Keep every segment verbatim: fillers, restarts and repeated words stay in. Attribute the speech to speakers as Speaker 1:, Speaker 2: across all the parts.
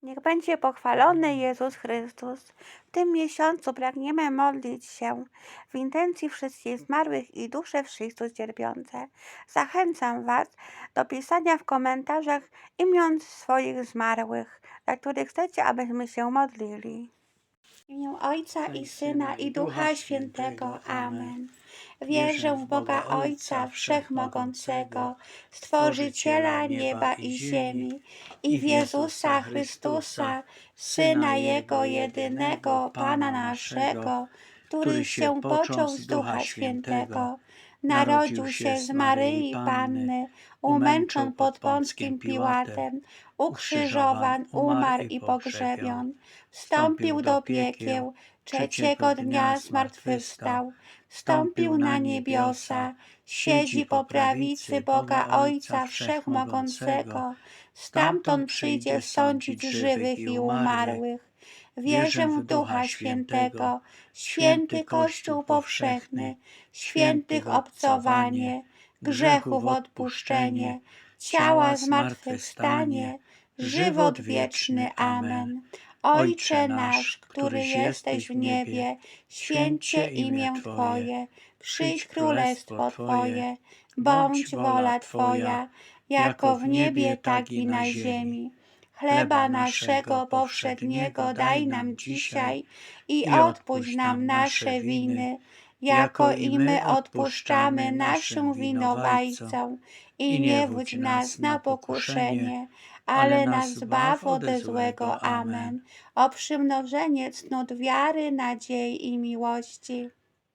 Speaker 1: Niech będzie pochwalony Jezus Chrystus. W tym miesiącu pragniemy modlić się w intencji wszystkich zmarłych i dusze w Chrystus cierpiące. Zachęcam Was do pisania w komentarzach imion swoich zmarłych, dla których chcecie, abyśmy się modlili. W imię Ojca i Syna i Ducha Świętego. Amen. Wierzę w Boga Ojca Wszechmogącego, Stworzyciela nieba i ziemi, i w Jezusa Chrystusa, Syna Jego jedynego, Pana naszego, który się począł z Ducha Świętego, narodził się z Maryi Panny, umęczon pod Pąckim Piłatem, ukrzyżowan, umarł i pogrzebion, wstąpił do piekieł, trzeciego dnia zmartwychwstał, wstąpił na niebiosa, siedzi po prawicy Boga Ojca Wszechmogącego, stamtąd przyjdzie sądzić żywych i umarłych. Wierzę w Ducha Świętego, święty Kościół powszechny, świętych obcowanie, grzechów odpuszczenie, ciała zmartwychwstanie, żywot wieczny. Amen. Ojcze nasz, który jesteś w niebie, święć się imię Twoje, przyjdź królestwo Twoje, bądź wola Twoja, jako w niebie, tak i na ziemi. Chleba naszego powszedniego daj nam dzisiaj i odpuść nam nasze winy, jako i my odpuszczamy naszym winowajcom. I nie wódź nas na pokuszenie, ale nas zbaw ode złego. Amen. O przymnożenie cnót wiary, nadziei i miłości.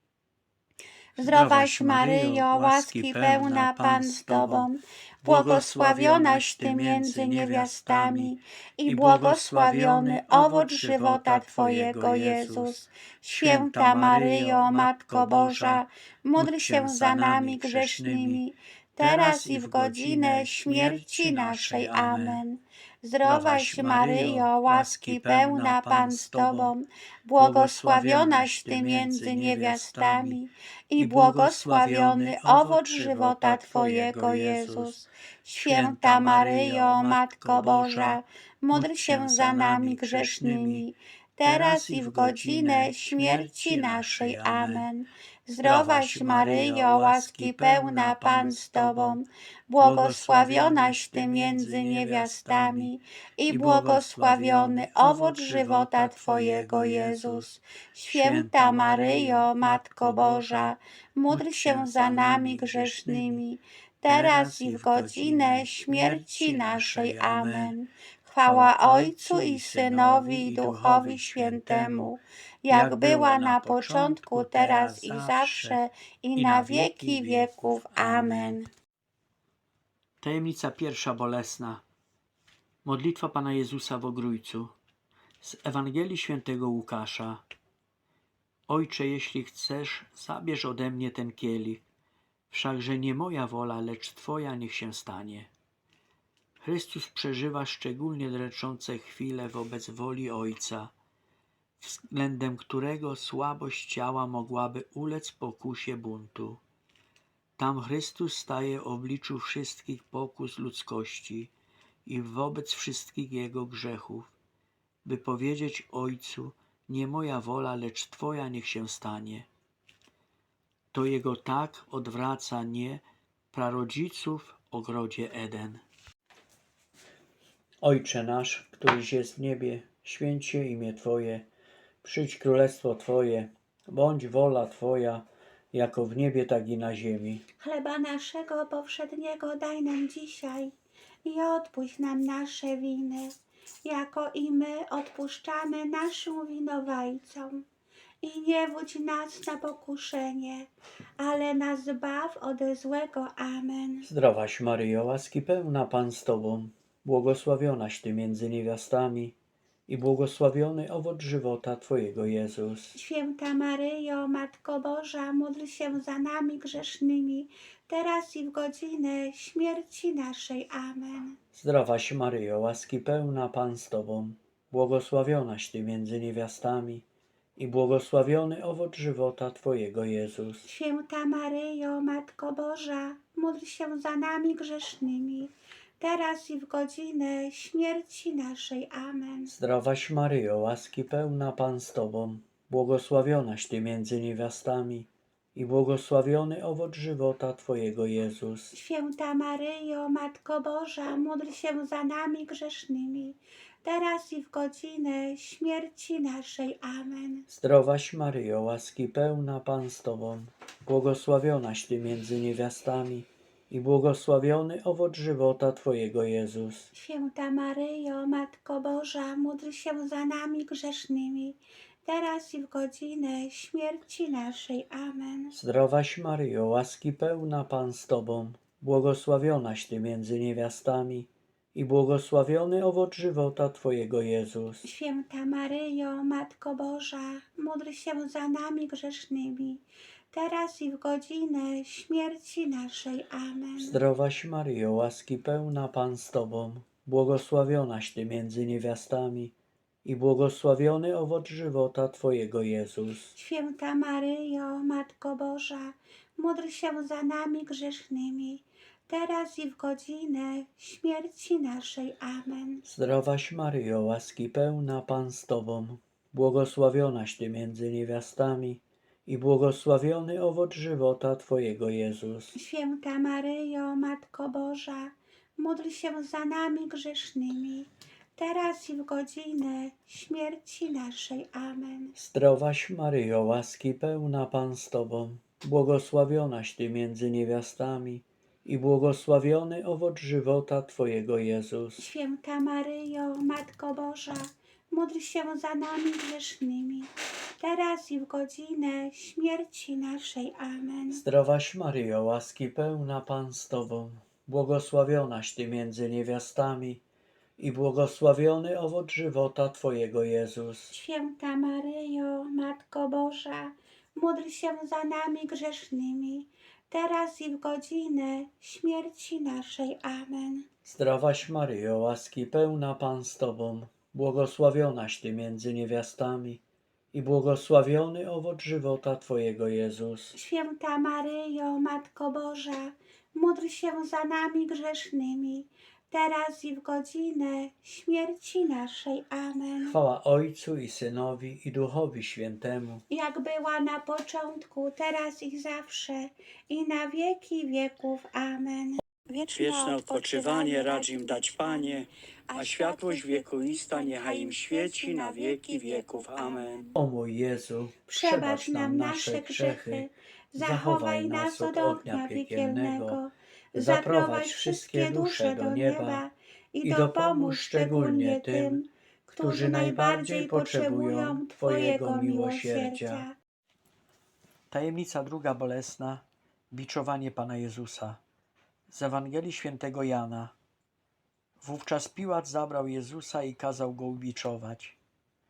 Speaker 1: Zdrowaś Maryjo, łaski pełna, Pan z Tobą, błogosławionaś Ty między niewiastami i błogosławiony owoc żywota Twojego, Jezus. Święta Maryjo, Matko Boża, módl się za nami grzesznymi, teraz i w godzinę śmierci naszej. Amen. Zdrowaś Maryjo, łaski pełna, Pan z Tobą, błogosławionaś Ty między niewiastami i błogosławiony owoc żywota Twojego, Jezus. Święta Maryjo, Matko Boża, módl się za nami grzesznymi, teraz i w godzinę śmierci naszej. Amen. Zdrowaś Maryjo, łaski pełna, Pan z Tobą, błogosławionaś Ty między niewiastami i błogosławiony owoc żywota Twojego, Jezus. Święta Maryjo, Matko Boża, módl się za nami grzesznymi, teraz i w godzinę śmierci naszej. Amen. Chwała Ojcu i Synowi i Duchowi Świętemu, jak była na początku, teraz i zawsze, i na wieki wieków. Amen.
Speaker 2: Tajemnica pierwsza bolesna. Modlitwa Pana Jezusa w Ogrójcu. Z Ewangelii Świętego Łukasza. Ojcze, jeśli chcesz, zabierz ode mnie ten kielich, wszakże nie moja wola, lecz Twoja niech się stanie. Chrystus przeżywa szczególnie dręczące chwile wobec woli Ojca, względem którego słabość ciała mogłaby ulec pokusie buntu. Tam Chrystus staje w obliczu wszystkich pokus ludzkości i wobec wszystkich jego grzechów, by powiedzieć Ojcu: nie moja wola, lecz Twoja niech się stanie. To jego tak odwraca nie prarodziców w ogrodzie Eden. Ojcze nasz, któryś jest w niebie, święć się imię Twoje, przyjdź królestwo Twoje, bądź wola Twoja, jako w niebie, tak i na ziemi.
Speaker 1: Chleba naszego powszedniego daj nam dzisiaj i odpuść nam nasze winy, jako i my odpuszczamy naszym winowajcom. I nie wódź nas na pokuszenie, ale nas zbaw ode złego. Amen.
Speaker 2: Zdrowaś Maryjo, łaski pełna, Pan z Tobą, błogosławionaś Ty między niewiastami i błogosławiony owoc żywota Twojego, Jezus.
Speaker 1: Święta Maryjo, Matko Boża, módl się za nami grzesznymi, teraz i w godzinę śmierci naszej. Amen.
Speaker 2: Zdrowaś Maryjo, łaski pełna, Pan z Tobą, błogosławionaś Ty między niewiastami i błogosławiony owoc żywota Twojego, Jezus.
Speaker 1: Święta Maryjo, Matko Boża, módl się za nami grzesznymi, teraz i w godzinę śmierci naszej. Amen.
Speaker 2: Zdrowaś Maryjo, łaski pełna Pan z Tobą, błogosławionaś Ty między niewiastami i błogosławiony owoc żywota Twojego Jezus.
Speaker 1: Święta Maryjo, Matko Boża, módl się za nami grzesznymi, teraz i w godzinę śmierci naszej. Amen.
Speaker 2: Zdrowaś Maryjo, łaski pełna Pan z Tobą, błogosławionaś Ty między niewiastami i błogosławiony owoc żywota Twojego Jezus.
Speaker 1: Święta Maryjo, Matko Boża, módl się za nami grzesznymi, teraz i w godzinę śmierci naszej. Amen.
Speaker 2: Zdrowaś Maryjo, łaski pełna Pan z Tobą, błogosławionaś Ty między niewiastami i błogosławiony owoc żywota Twojego Jezus.
Speaker 1: Święta Maryjo, Matko Boża, módl się za nami grzesznymi, teraz i w godzinę śmierci naszej. Amen.
Speaker 2: Zdrowaś Maryjo, łaski pełna Pan z Tobą, błogosławionaś Ty między niewiastami i błogosławiony owoc żywota Twojego Jezus.
Speaker 1: Święta Maryjo, Matko Boża, módl się za nami grzesznymi, teraz i w godzinę śmierci naszej. Amen.
Speaker 2: Zdrowaś Maryjo, łaski pełna Pan z Tobą, błogosławionaś Ty między niewiastami i błogosławiony owoc żywota Twojego Jezus.
Speaker 1: Święta Maryjo, Matko Boża, módl się za nami grzesznymi, teraz i w godzinę śmierci naszej. Amen.
Speaker 2: Zdrowaś Maryjo, łaski pełna Pan z Tobą, błogosławionaś Ty między niewiastami i błogosławiony owoc żywota Twojego Jezus.
Speaker 1: Święta Maryjo, Matko Boża, módl się za nami grzesznymi, teraz i w godzinę śmierci naszej. Amen.
Speaker 2: Zdrowaś Maryjo, łaski pełna Pan z Tobą, błogosławionaś Ty między niewiastami i błogosławiony owoc żywota Twojego Jezus.
Speaker 1: Święta Maryjo, Matko Boża, módl się za nami grzesznymi, teraz i w godzinę śmierci naszej. Amen.
Speaker 2: Zdrowaś Maryjo, łaski pełna Pan z Tobą, błogosławionaś Ty między niewiastami i błogosławiony owoc żywota Twojego Jezus.
Speaker 1: Święta Maryjo, Matko Boża, módl się za nami grzesznymi, teraz i w godzinę śmierci naszej. Amen.
Speaker 2: Chwała Ojcu i Synowi i Duchowi Świętemu.
Speaker 1: Jak była na początku, teraz i zawsze, i na wieki wieków. Amen.
Speaker 3: Wieczne odpoczywanie racz im dać, Panie, a światłość wiekuista niechaj im świeci na wieki wieków. Amen.
Speaker 2: O mój Jezu,
Speaker 1: Przebacz nam nasze grzechy, zachowaj nas od ognia piekielnego, zaprowadź wszystkie dusze do nieba i dopomóż szczególnie tym, którzy najbardziej potrzebują Twojego miłosierdzia.
Speaker 2: Tajemnica druga bolesna. Biczowanie Pana Jezusa. Z Ewangelii Świętego Jana. Wówczas Piłat zabrał Jezusa i kazał go ubiczować.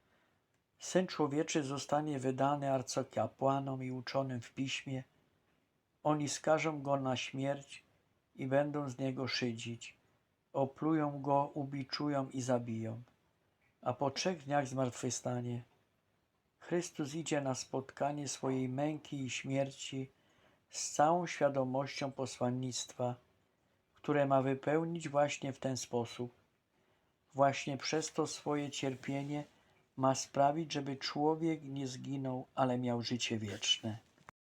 Speaker 2: Syn Człowieczy zostanie wydany arcykapłanom i uczonym w piśmie. Oni skażą go na śmierć i będą z niego szydzić. Oplują go, ubiczują i zabiją. A po trzech dniach zmartwychwstanie. Chrystus idzie na spotkanie swojej męki i śmierci z całą świadomością posłannictwa, które ma wypełnić właśnie w ten sposób. Właśnie przez to swoje cierpienie ma sprawić, żeby człowiek nie zginął, ale miał życie wieczne.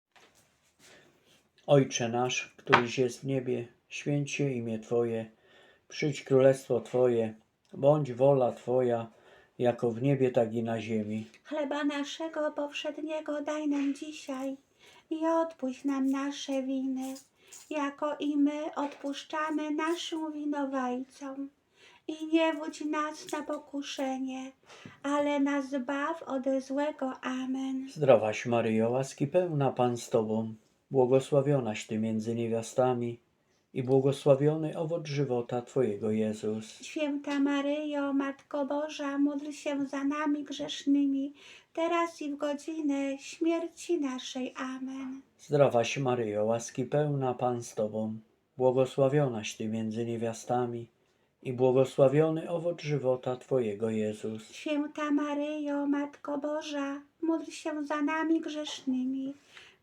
Speaker 2: Ojcze nasz, któryś jest w niebie, święć się imię Twoje, przyjdź królestwo Twoje, bądź wola Twoja, jako w niebie, tak i na ziemi.
Speaker 1: Chleba naszego powszedniego daj nam dzisiaj i odpuść nam nasze winy, jako i my odpuszczamy naszym winowajcom. I nie wódź nas na pokuszenie, ale nas zbaw ode złego. Amen.
Speaker 2: Zdrowaś Maryjo, łaski pełna Pan z Tobą, błogosławionaś Ty między niewiastami i błogosławiony owoc żywota Twojego Jezus.
Speaker 1: Święta Maryjo, Matko Boża, módl się za nami grzesznymi, teraz i w godzinę śmierci naszej. Amen.
Speaker 2: Zdrowaś Maryjo, łaski pełna Pan z Tobą, błogosławionaś Ty między niewiastami i błogosławiony owoc żywota Twojego Jezus.
Speaker 1: Święta Maryjo, Matko Boża, módl się za nami grzesznymi,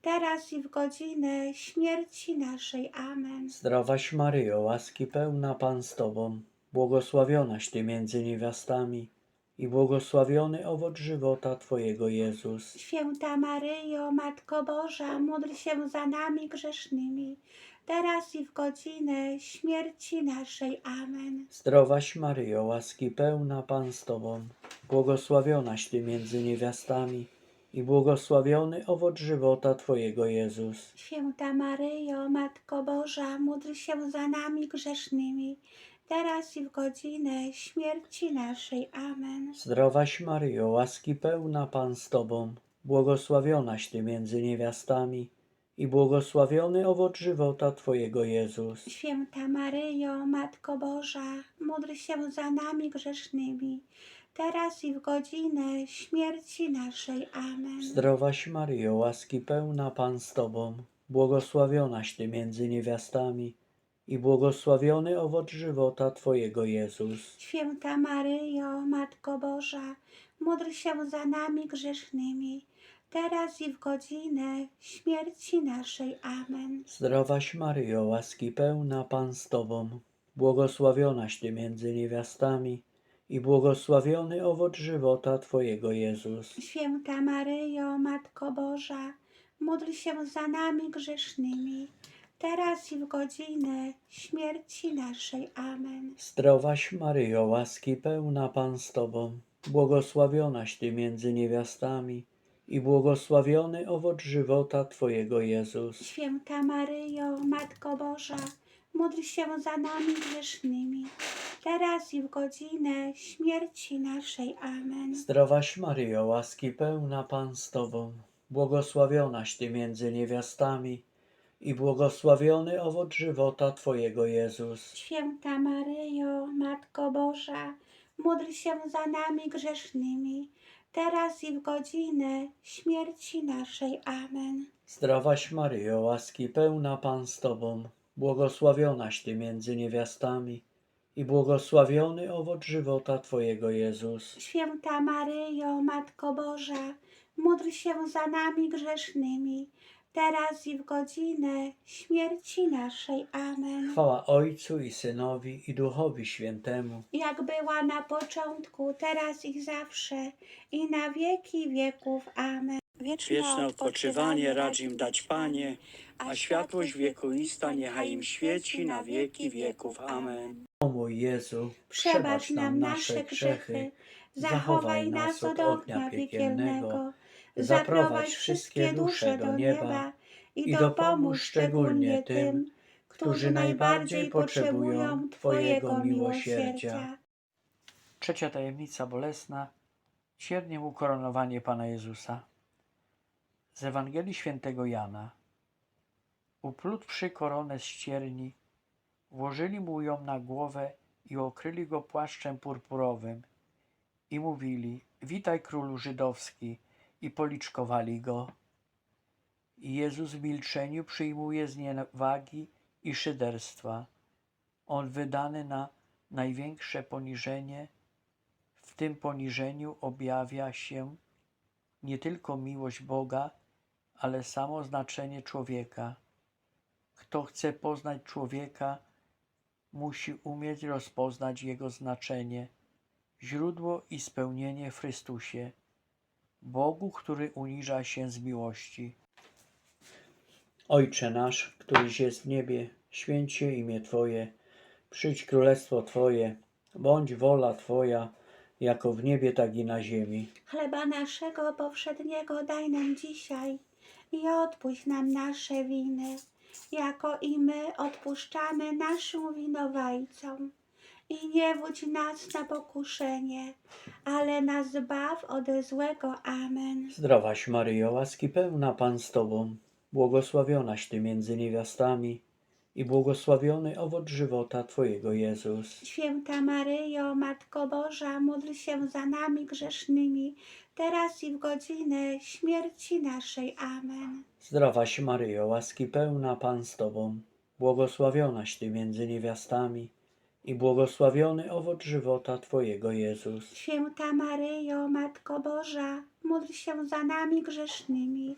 Speaker 1: teraz i w godzinę śmierci naszej. Amen.
Speaker 2: Zdrowaś Maryjo, łaski pełna Pan z Tobą, błogosławionaś Ty między niewiastami i błogosławiony owoc żywota Twojego Jezus.
Speaker 1: Święta Maryjo, Matko Boża, módl się za nami grzesznymi, teraz i w godzinę śmierci naszej. Amen.
Speaker 2: Zdrowaś Maryjo, łaski pełna Pan z Tobą, błogosławionaś Ty między niewiastami i błogosławiony owoc żywota Twojego Jezus.
Speaker 1: Święta Maryjo, Matko Boża, módl się za nami grzesznymi, teraz i w godzinę śmierci naszej. Amen.
Speaker 2: Zdrowaś Maryjo, łaski pełna Pan z Tobą, błogosławionaś Ty między niewiastami i błogosławiony owoc żywota Twojego Jezus.
Speaker 1: Święta Maryjo, Matko Boża, módl się za nami grzesznymi, teraz i w godzinę śmierci naszej. Amen.
Speaker 2: Zdrowaś Maryjo, łaski pełna Pan z Tobą, błogosławionaś Ty między niewiastami i błogosławiony owoc żywota Twojego Jezus.
Speaker 1: Święta Maryjo, Matko Boża, módl się za nami grzesznymi, teraz i w godzinę śmierci naszej. Amen.
Speaker 2: Zdrowaś Maryjo, łaski pełna Pan z Tobą, błogosławionaś Ty między niewiastami i błogosławiony owoc żywota Twojego Jezus.
Speaker 1: Święta Maryjo, Matko Boża, módl się za nami grzesznymi, teraz i w godzinę śmierci naszej. Amen.
Speaker 2: Zdrowaś Maryjo, łaski pełna Pan z Tobą, błogosławionaś Ty między niewiastami i błogosławiony owoc żywota Twojego Jezus.
Speaker 1: Święta Maryjo, Matko Boża, módl się za nami grzesznymi, teraz i w godzinę śmierci naszej. Amen.
Speaker 2: Zdrowaś Maryjo, łaski pełna Pan z Tobą, błogosławionaś Ty między niewiastami i błogosławiony owoc żywota Twojego Jezus.
Speaker 1: Święta Maryjo, Matko Boża, módl się za nami grzesznymi, teraz i w godzinę śmierci naszej. Amen.
Speaker 2: Zdrowaś Maryjo, łaski pełna Pan z Tobą, błogosławionaś Ty między niewiastami i błogosławiony owoc żywota Twojego Jezus.
Speaker 1: Święta Maryjo, Matko Boża, módl się za nami grzesznymi, teraz i w godzinę śmierci naszej. Amen.
Speaker 2: Chwała Ojcu i Synowi i Duchowi Świętemu,
Speaker 1: Jak była na początku, teraz i zawsze, i na wieki wieków. Amen.
Speaker 3: Wieczne odpoczywanie racz im dać, Panie, a światłość wiekuista niechaj im świeci na wieki wieków. Amen.
Speaker 2: o mój Jezu,
Speaker 1: Przebacz nam nasze grzechy, zachowaj nas od ognia piekielnego, zaprowadź wszystkie dusze do nieba i dopomóż szczególnie tym, którzy najbardziej potrzebują Twojego miłosierdzia.
Speaker 2: Trzecia tajemnica bolesna, cierniem ukoronowanie Pana Jezusa. Z Ewangelii Świętego Jana. Uplutwszy koronę z cierni, włożyli mu ją na głowę i okryli go płaszczem purpurowym i mówili: witaj, królu żydowski, i policzkowali go. I Jezus w milczeniu przyjmuje zniewagi i szyderstwa. On wydany na największe poniżenie, w tym poniżeniu objawia się nie tylko miłość Boga, ale samo znaczenie człowieka. Kto chce poznać człowieka, musi umieć rozpoznać jego znaczenie, źródło i spełnienie w Chrystusie, Bogu, który uniża się z miłości. Ojcze nasz, któryś jest w niebie, święć się imię Twoje, przyjdź królestwo Twoje, bądź wola Twoja, jako w niebie, tak i na ziemi.
Speaker 1: Chleba naszego powszedniego daj nam dzisiaj i odpuść nam nasze winy, jako i my odpuszczamy naszym winowajcom. I nie wódź nas na pokuszenie, ale nas zbaw ode złego. Amen.
Speaker 2: Zdrowaś Maryjo, łaski pełna Pan z Tobą, błogosławionaś Ty między niewiastami i błogosławiony owoc żywota Twojego Jezus.
Speaker 1: Święta Maryjo, Matko Boża, módl się za nami grzesznymi, teraz i w godzinę śmierci naszej. Amen.
Speaker 2: Zdrowaś Maryjo, łaski pełna Pan z Tobą, błogosławionaś Ty między niewiastami i błogosławiony owoc żywota Twojego Jezus.
Speaker 1: Święta Maryjo, Matko Boża, módl się za nami grzesznymi,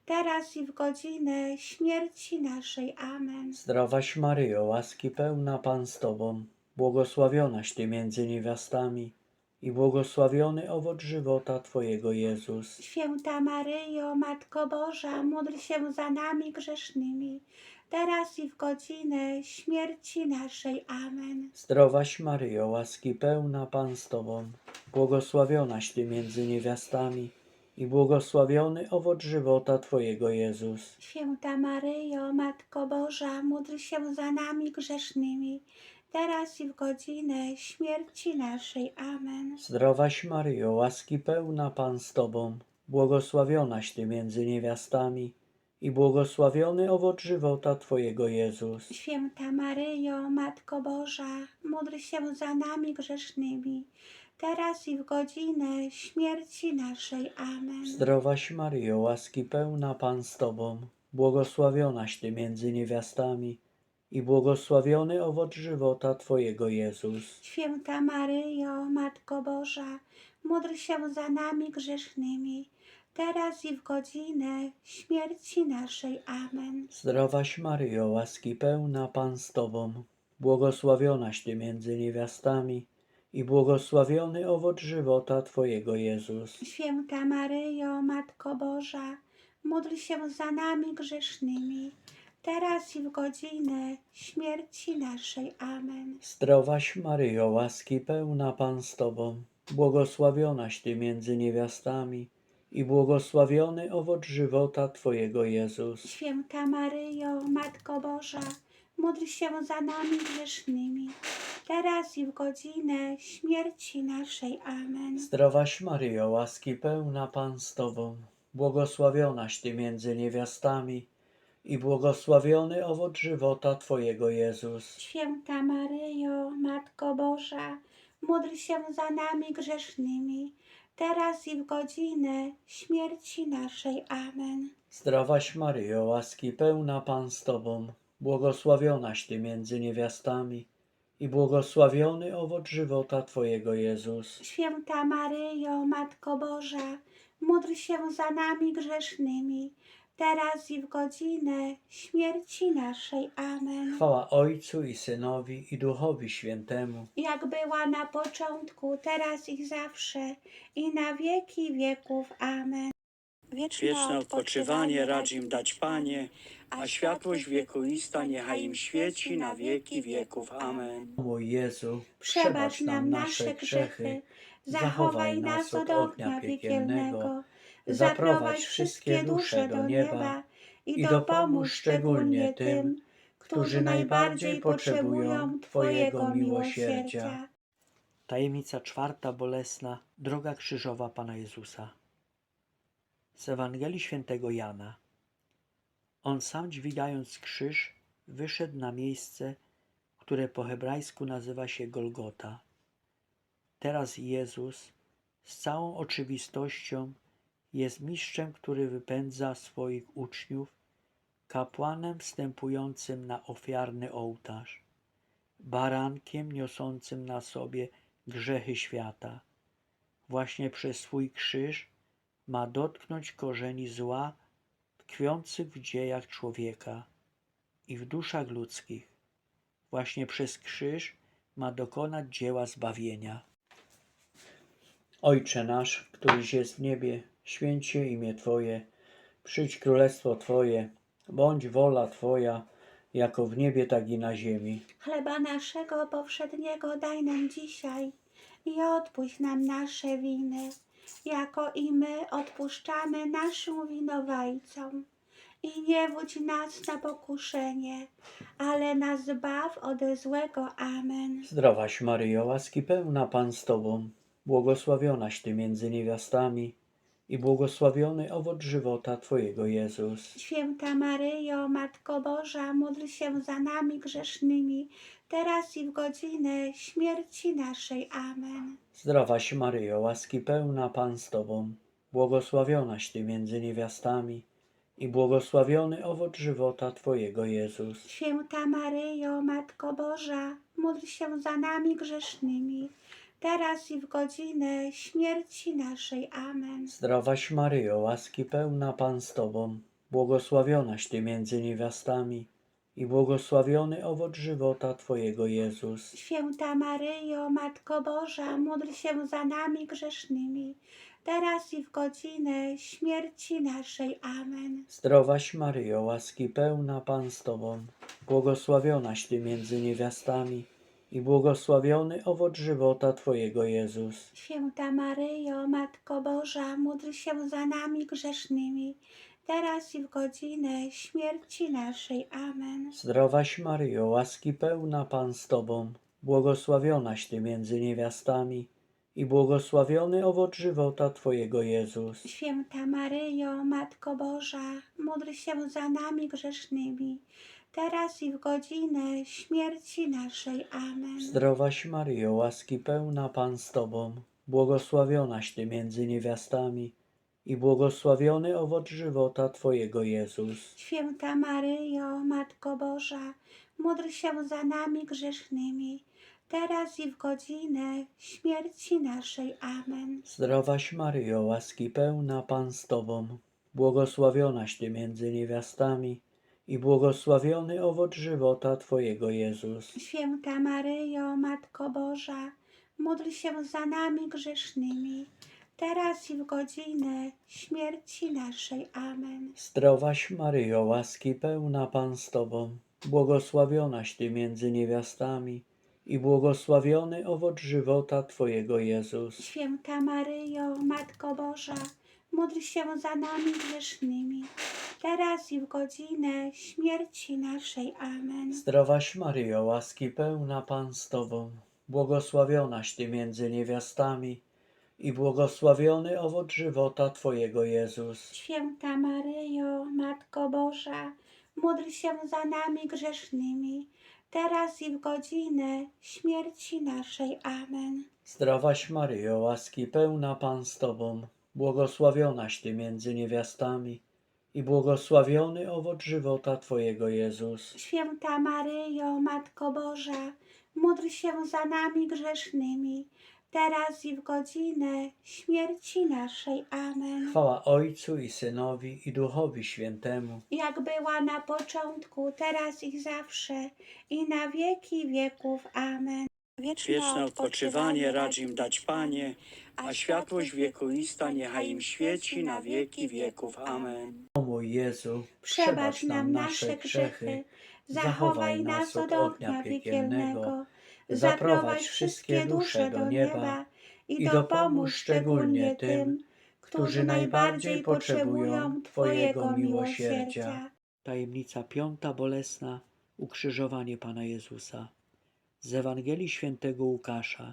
Speaker 1: teraz i w godzinę śmierci naszej. Amen.
Speaker 2: Zdrowaś Maryjo, łaski pełna Pan z Tobą, błogosławionaś Ty między niewiastami i błogosławiony owoc żywota Twojego Jezus.
Speaker 1: Święta Maryjo, Matko Boża, módl się za nami grzesznymi, teraz i w godzinę śmierci naszej. Amen.
Speaker 2: Zdrowaś Maryjo, łaski pełna Pan z Tobą, błogosławionaś Ty między niewiastami i błogosławiony owoc żywota Twojego Jezus.
Speaker 1: Święta Maryjo, Matko Boża, módl się za nami grzesznymi, teraz i w godzinę śmierci naszej. Amen.
Speaker 2: Zdrowaś Maryjo, łaski pełna Pan z Tobą, błogosławionaś Ty między niewiastami i błogosławiony owoc żywota Twojego Jezus.
Speaker 1: Święta Maryjo, Matko Boża, módl się za nami grzesznymi, teraz i w godzinę śmierci naszej. Amen.
Speaker 2: Zdrowaś Maryjo, łaski pełna Pan z Tobą, błogosławionaś Ty między niewiastami i błogosławiony owoc żywota Twojego Jezus.
Speaker 1: Święta Maryjo, Matko Boża, módl się za nami grzesznymi, teraz i w godzinę śmierci naszej. Amen.
Speaker 2: Zdrowaś Maryjo, łaski pełna Pan z Tobą, błogosławionaś Ty między niewiastami i błogosławiony owoc żywota Twojego Jezus.
Speaker 1: Święta Maryjo, Matko Boża, módl się za nami grzesznymi, teraz i w godzinę śmierci naszej. Amen.
Speaker 2: Zdrowaś Maryjo, łaski pełna Pan z Tobą, błogosławionaś Ty między niewiastami i błogosławiony owoc żywota Twojego Jezus.
Speaker 1: Święta Maryjo, Matko Boża, módl się za nami grzesznymi, teraz i w godzinę śmierci naszej. Amen.
Speaker 2: Zdrowaś Maryjo, łaski pełna Pan z Tobą, błogosławionaś Ty między niewiastami i błogosławiony owoc żywota Twojego Jezus.
Speaker 1: Święta Maryjo, Matko Boża, módl się za nami grzesznymi, teraz i w godzinę śmierci naszej. Amen.
Speaker 2: Zdrowaś Maryjo, łaski pełna Pan z Tobą, błogosławionaś Ty między niewiastami i błogosławiony owoc żywota Twojego Jezus.
Speaker 1: Święta Maryjo, Matko Boża, módl się za nami grzesznymi, teraz i w godzinę śmierci naszej. Amen.
Speaker 2: Chwała Ojcu i Synowi i Duchowi Świętemu.
Speaker 1: Jak była na początku, teraz i zawsze, i na wieki wieków. Amen.
Speaker 3: Wieczne odpoczywanie racz im dać, Panie, a światłość wiekuista niechaj im świeci na wieki wieków. Amen.
Speaker 2: Mój Jezu,
Speaker 1: Przebacz nam nasze grzechy, zachowaj nas od ognia piekielnego, zaprowadź wszystkie dusze do nieba i dopomóż szczególnie tym, którzy najbardziej potrzebują Twojego miłosierdzia.
Speaker 2: Tajemnica czwarta bolesna, droga krzyżowa Pana Jezusa. Z Ewangelii Świętego Jana. On sam, dźwigając krzyż, wyszedł na miejsce, które po hebrajsku nazywa się Golgota. Teraz Jezus z całą oczywistością jest mistrzem, który wypędza swoich uczniów, kapłanem wstępującym na ofiarny ołtarz, barankiem niosącym na sobie grzechy świata. Właśnie przez swój krzyż ma dotknąć korzeni zła tkwiących w dziejach człowieka i w duszach ludzkich. Właśnie przez krzyż ma dokonać dzieła zbawienia. Ojcze nasz, któryś jest w niebie, święć się imię Twoje, przyjdź królestwo Twoje, bądź wola Twoja, jako w niebie, tak i na ziemi.
Speaker 1: Chleba naszego powszedniego daj nam dzisiaj i odpuść nam nasze winy, jako i my odpuszczamy naszym winowajcom. I nie wódź nas na pokuszenie, ale nas zbaw ode złego. Amen.
Speaker 2: Zdrowaś Maryjo, łaski pełna Pan z Tobą, błogosławionaś Ty między niewiastami i błogosławiony owoc żywota Twojego Jezus.
Speaker 1: Święta Maryjo, Matko Boża, módl się za nami grzesznymi, teraz i w godzinę śmierci naszej. Amen.
Speaker 2: Zdrowaś Maryjo, łaski pełna Pan z Tobą, błogosławionaś Ty między niewiastami i błogosławiony owoc żywota Twojego Jezus.
Speaker 1: Święta Maryjo, Matko Boża, módl się za nami grzesznymi, teraz i w godzinę śmierci naszej. Amen.
Speaker 2: Zdrowaś Maryjo, łaski pełna Pan z Tobą, błogosławionaś Ty między niewiastami i błogosławiony owoc żywota Twojego Jezus.
Speaker 1: Święta Maryjo, Matko Boża, módl się za nami grzesznymi, teraz i w godzinę śmierci naszej. Amen.
Speaker 2: Zdrowaś Maryjo, łaski pełna, Pan z Tobą, błogosławionaś Ty między niewiastami i błogosławiony owoc żywota Twojego Jezus.
Speaker 1: Święta Maryjo, Matko Boża, módl się za nami grzesznymi, teraz i w godzinę śmierci naszej. Amen.
Speaker 2: Zdrowaś Maryjo, łaski pełna, Pan z Tobą, błogosławionaś Ty między niewiastami i błogosławiony owoc żywota Twojego Jezus.
Speaker 1: Święta Maryjo, Matko Boża, módl się za nami grzesznymi, teraz i w godzinę śmierci naszej. Amen.
Speaker 2: Zdrowaś Maryjo, łaski pełna, Pan z Tobą, błogosławionaś Ty między niewiastami i błogosławiony owoc żywota Twojego Jezus.
Speaker 1: Święta Maryjo, Matko Boża, módl się za nami grzesznymi, teraz i w godzinę śmierci naszej. Amen.
Speaker 2: Zdrowaś Maryjo, łaski pełna, Pan z Tobą, błogosławionaś Ty między niewiastami i błogosławiony owoc żywota Twojego Jezus.
Speaker 1: Święta Maryjo, Matko Boża, módl się za nami grzesznymi, teraz i w godzinę śmierci naszej. Amen.
Speaker 2: Zdrowaś Maryjo, łaski pełna, Pan z Tobą, błogosławionaś Ty między niewiastami i błogosławiony owoc żywota Twojego Jezus.
Speaker 1: Święta Maryjo, Matko Boża, módl się za nami grzesznymi, teraz i w godzinę śmierci naszej. Amen.
Speaker 2: Zdrowaś Maryjo, łaski pełna, Pan z Tobą, błogosławionaś Ty między niewiastami i błogosławiony owoc żywota Twojego Jezus.
Speaker 1: Święta Maryjo, Matko Boża, módl się za nami grzesznymi, teraz i w godzinę śmierci naszej. Amen.
Speaker 2: Zdrowaś Maryjo, łaski pełna, Pan z Tobą, błogosławionaś Ty między niewiastami i błogosławiony owoc żywota Twojego Jezus.
Speaker 1: Święta Maryjo, Matko Boża, módl się za nami grzesznymi, teraz i w godzinę śmierci naszej. Amen.
Speaker 2: Chwała Ojcu i Synowi i Duchowi Świętemu.
Speaker 1: Jak była na początku, teraz i zawsze, i na wieki wieków. Amen.
Speaker 3: Wieczne odpoczywanie racz im dać, Panie, a światłość wiekuista niechaj im świeci na wieki wieków. Amen.
Speaker 2: O mój Jezu,
Speaker 1: Przebacz nam nasze grzechy, zachowaj nas od ognia piekielnego, zaprowadź wszystkie dusze do nieba i dopomóż szczególnie tym, którzy najbardziej potrzebują Twojego miłosierdzia.
Speaker 2: Tajemnica piąta bolesna, ukrzyżowanie Pana Jezusa. Z Ewangelii Świętego Łukasza.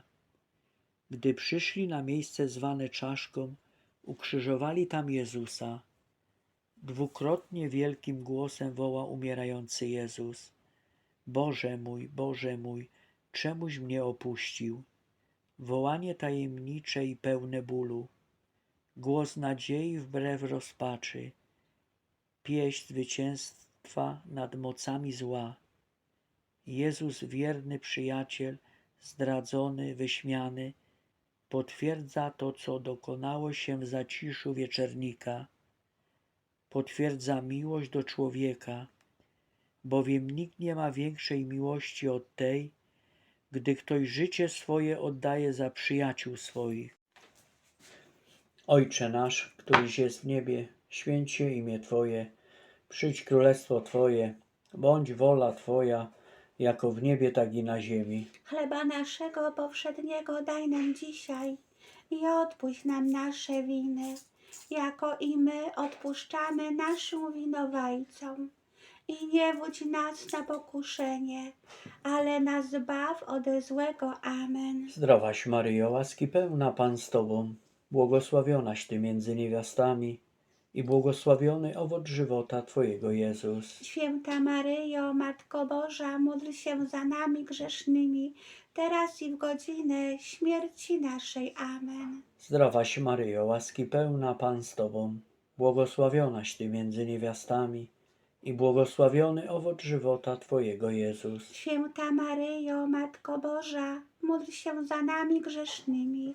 Speaker 2: Gdy przyszli na miejsce zwane Czaszką, ukrzyżowali tam Jezusa. Dwukrotnie wielkim głosem woła umierający Jezus: Boże mój, Boże mój, czemuś mnie opuścił? Wołanie tajemnicze i pełne bólu. Głos nadziei wbrew rozpaczy. Pieśń zwycięstwa nad mocami zła. Jezus, wierny przyjaciel, zdradzony, wyśmiany, potwierdza to, co dokonało się w zaciszu wieczernika. Potwierdza miłość do człowieka, bowiem nikt nie ma większej miłości od tej, gdy ktoś życie swoje oddaje za przyjaciół swoich. Ojcze nasz, któryś jest w niebie, święć się imię Twoje, przyjdź królestwo Twoje, bądź wola Twoja, jako w niebie, tak i na ziemi.
Speaker 1: Chleba naszego powszedniego daj nam dzisiaj i odpuść nam nasze winy, jako i my odpuszczamy naszym winowajcom. I nie wódź nas na pokuszenie, ale nas zbaw ode złego. Amen.
Speaker 2: Zdrowaś Maryjo, łaski pełna, Pan z Tobą, błogosławionaś Ty między niewiastami i błogosławiony owoc żywota Twojego Jezus.
Speaker 1: Święta Maryjo, Matko Boża, módl się za nami grzesznymi, teraz i w godzinę śmierci naszej. Amen.
Speaker 2: Zdrowaś Maryjo, łaski pełna, Pan z Tobą, błogosławionaś Ty między niewiastami i błogosławiony owoc żywota Twojego Jezus.
Speaker 1: Święta Maryjo, Matko Boża, módl się za nami grzesznymi,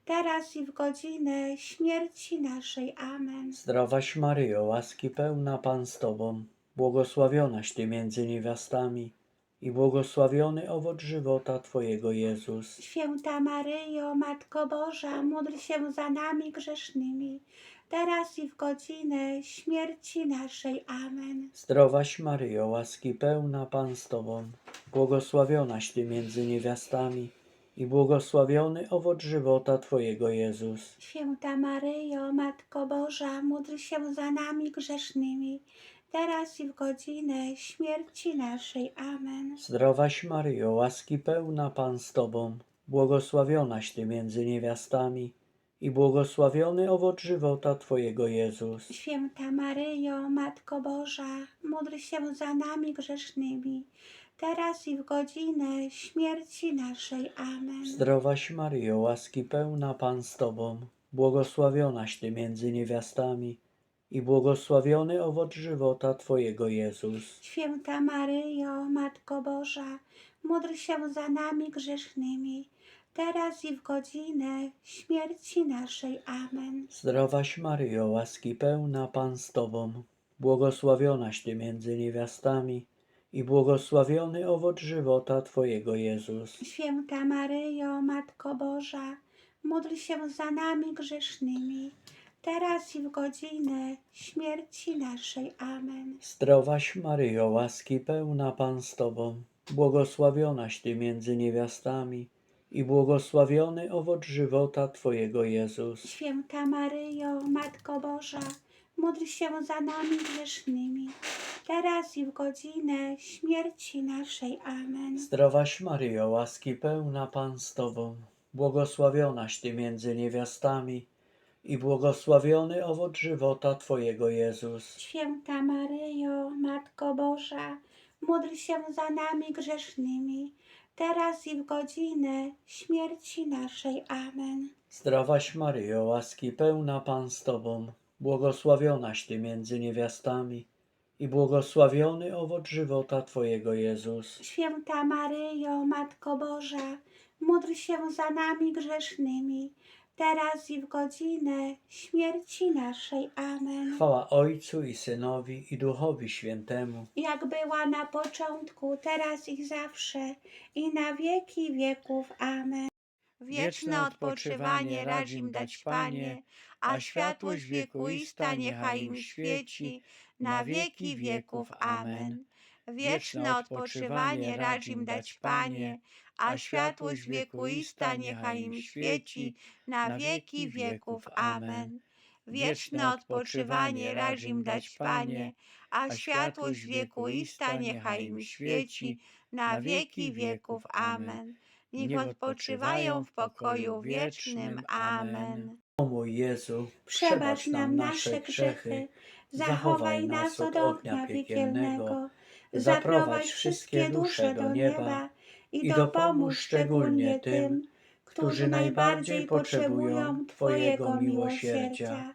Speaker 1: teraz i w godzinę śmierci naszej. Amen.
Speaker 2: Zdrowaś Maryjo, łaski pełna Pan z Tobą, błogosławionaś Ty między niewiastami i błogosławiony owoc żywota Twojego Jezus.
Speaker 1: Święta Maryjo, Matko Boża, módl się za nami grzesznymi, teraz i w godzinę śmierci naszej. Amen.
Speaker 2: Zdrowaś Maryjo, łaski pełna Pan z Tobą, błogosławionaś Ty między niewiastami i błogosławiony owoc żywota Twojego Jezus.
Speaker 1: Święta Maryjo, Matko Boża, módl się za nami grzesznymi, teraz i w godzinę śmierci naszej. Amen.
Speaker 2: Zdrowaś Maryjo, łaski pełna Pan z Tobą, błogosławionaś Ty między niewiastami i błogosławiony owoc żywota Twojego Jezus.
Speaker 1: Święta Maryjo, Matko Boża, módl się za nami grzesznymi, teraz i w godzinę śmierci naszej. Amen.
Speaker 2: Zdrowaś Maryjo, łaski pełna Pan z Tobą, błogosławionaś Ty między niewiastami i błogosławiony owoc żywota Twojego Jezus.
Speaker 1: Święta Maryjo, Matko Boża, módl się za nami grzesznymi, teraz i w godzinę śmierci naszej. Amen.
Speaker 2: Zdrowaś Maryjo, łaski pełna Pan z Tobą, błogosławionaś Ty między niewiastami i błogosławiony owoc żywota Twojego Jezus.
Speaker 1: Święta Maryjo, Matko Boża, módl się za nami grzesznymi, teraz i w godzinę śmierci naszej. Amen.
Speaker 2: Zdrowaś Maryjo, łaski pełna Pan z Tobą, błogosławionaś Ty między niewiastami i błogosławiony owoc żywota Twojego Jezus.
Speaker 1: Święta Maryjo, Matko Boża, módl się za nami grzesznymi, teraz i w godzinę śmierci naszej. Amen.
Speaker 2: Zdrowaś Maryjo, łaski pełna Pan z Tobą, błogosławionaś Ty między niewiastami i błogosławiony owoc żywota Twojego Jezus.
Speaker 1: Święta Maryjo, Matko Boża, módl się za nami grzesznymi, teraz i w godzinę śmierci naszej. Amen.
Speaker 2: Zdrowaś Maryjo, łaski pełna Pan z Tobą, błogosławionaś Ty między niewiastami i błogosławiony owoc żywota Twojego Jezus.
Speaker 1: Święta Maryjo, Matko Boża, módl się za nami grzesznymi, teraz i w godzinę śmierci naszej. Amen.
Speaker 2: Chwała Ojcu i Synowi i Duchowi Świętemu.
Speaker 1: Jak była na początku, teraz i zawsze, i na wieki wieków. Amen.
Speaker 3: Wieczne odpoczywanie racz im dać, Panie, a światłość wiekuista niechaj im świeci na wieki wieków. Amen. Wieczne odpoczywanie racz im dać, Panie, a światłość wiekuista niechaj im świeci na wieki wieków. Amen. Wieczne odpoczywanie racz im dać, Panie, a światłość wiekuista niechaj im świeci na wieki wieków. Amen. Niech odpoczywają w pokoju wiecznym. Amen.
Speaker 2: O mój Jezu,
Speaker 1: Przebacz nam nasze grzechy, zachowaj nas od ognia piekielnego, zaprowadź wszystkie dusze do nieba i dopomóż szczególnie tym, którzy najbardziej potrzebują Twojego miłosierdzia.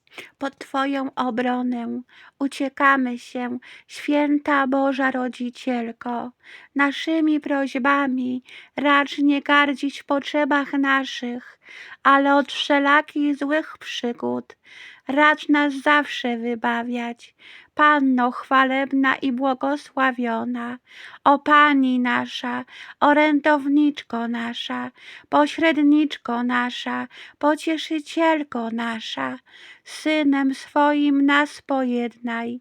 Speaker 1: Pod Twoją obronę uciekamy się, święta Boża Rodzicielko. Naszymi prośbami racz nie gardzić w potrzebach naszych, ale od wszelakich złych przygód racz nas zawsze wybawiać. Panno chwalebna i błogosławiona, o Pani nasza, orędowniczko nasza, pośredniczko nasza, pocieszycielko nasza, Synem swoim nas pojednaj,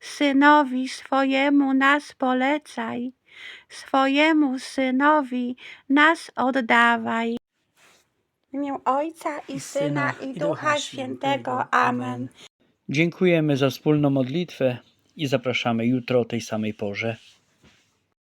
Speaker 1: Synowi swojemu nas polecaj, swojemu Synowi nas oddawaj. W imię Ojca i Syna i Ducha Świętego. Amen.
Speaker 2: Dziękujemy za wspólną modlitwę i zapraszamy jutro o tej samej porze.